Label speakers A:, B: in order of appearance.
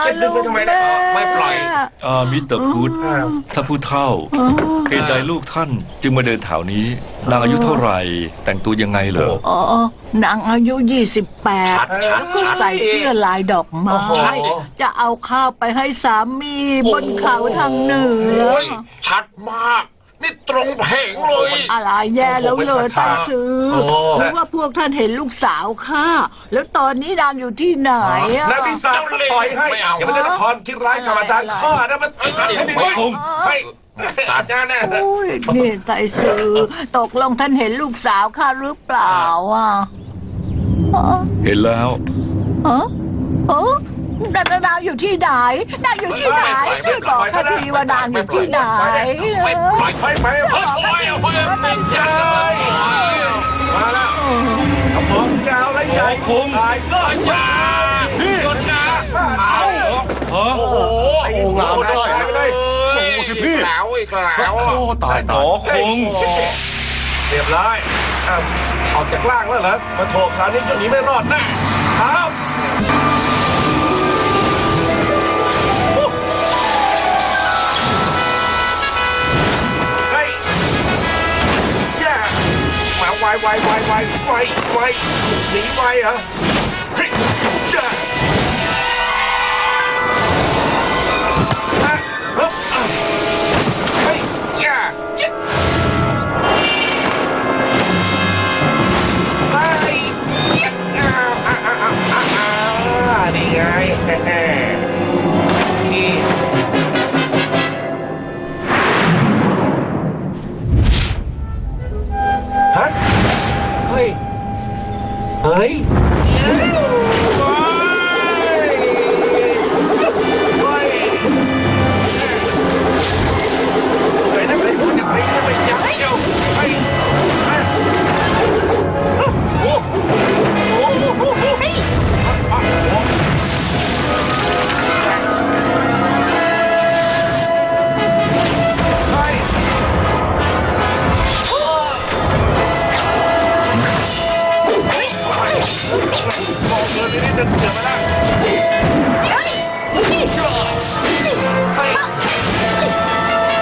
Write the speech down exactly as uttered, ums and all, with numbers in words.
A: จะดึงไปทำไมเนี่ยไม่ปล่อย
B: อ่ามิสเตอร์พุทธถ้าผู้เฒ่าเหตุใดลูกท่านจึงมาเดินแถวนี้นางอายุเท่าไหร่แต่งตัวยังไงเหรอ
C: อ๋อนางอายุยี่สิบแปดแล้วก็ใส่เสื้อลายดอกไม้จะเอาข้าวไปให้สามีบนเขาทางเหนือ
A: ชัดมากนี่ตรงเพลงเลย
C: อะไรแย่แล้วเลยตาซื้อเพราะว่าพวกท่านเห็นลูกสาวข้าแล้วตอนนี้นางอยู่ที่ไหนอะ
D: นางพิศาจปล่อยให้อย่าไปเล่นละครที่ร้ายกับอาจารย์ข้านะมันให้ดีคง
A: ให้อาจารย์นะ
C: โอ้ยนี่ไต่ซื้อตกลงท่านเห็นลูกสาวข้าหรือเปล่าอ่ะ
B: เห็นแล้ว
C: เออเออนางอยู่ที่ไหนนางอยู่ที่ไหนช่วยบอกข้าทีว่านางอยู่ที่ไหน
D: ไม่ปล่อยไปไปไปไปไม่ใช่มาแล้วกระบอกยาวและใหญ่
B: คง
D: ตายเสื้อยาพี่กดยา
B: โอ้
D: โหโอ้งามสร้อยเลยโอ้สิพี่
A: แล้วอีกแล้ว
D: โอ้ตายตาย
B: คง
D: เรียบร้อยออกจากล่างแล้วเหรอมาโถคราวนี้เจ้าหนีไม่รอดแน่ครับไวไวไวไวไวไวหนีไวเหรอเฮ้ยจ้าเฮ้ยย่าจิ๊บไปจิ๊บอ่าอ่าอ่าอ่าอ่านี่ไงนี่ฮะเฮ้ยเฮ้ยสวยนะเลยพูดอย่างไรจะไปยักเชียวเฮ้ยโอ้โหเฮ้ยบอกเลยนี่เดินเสือมาแล้ว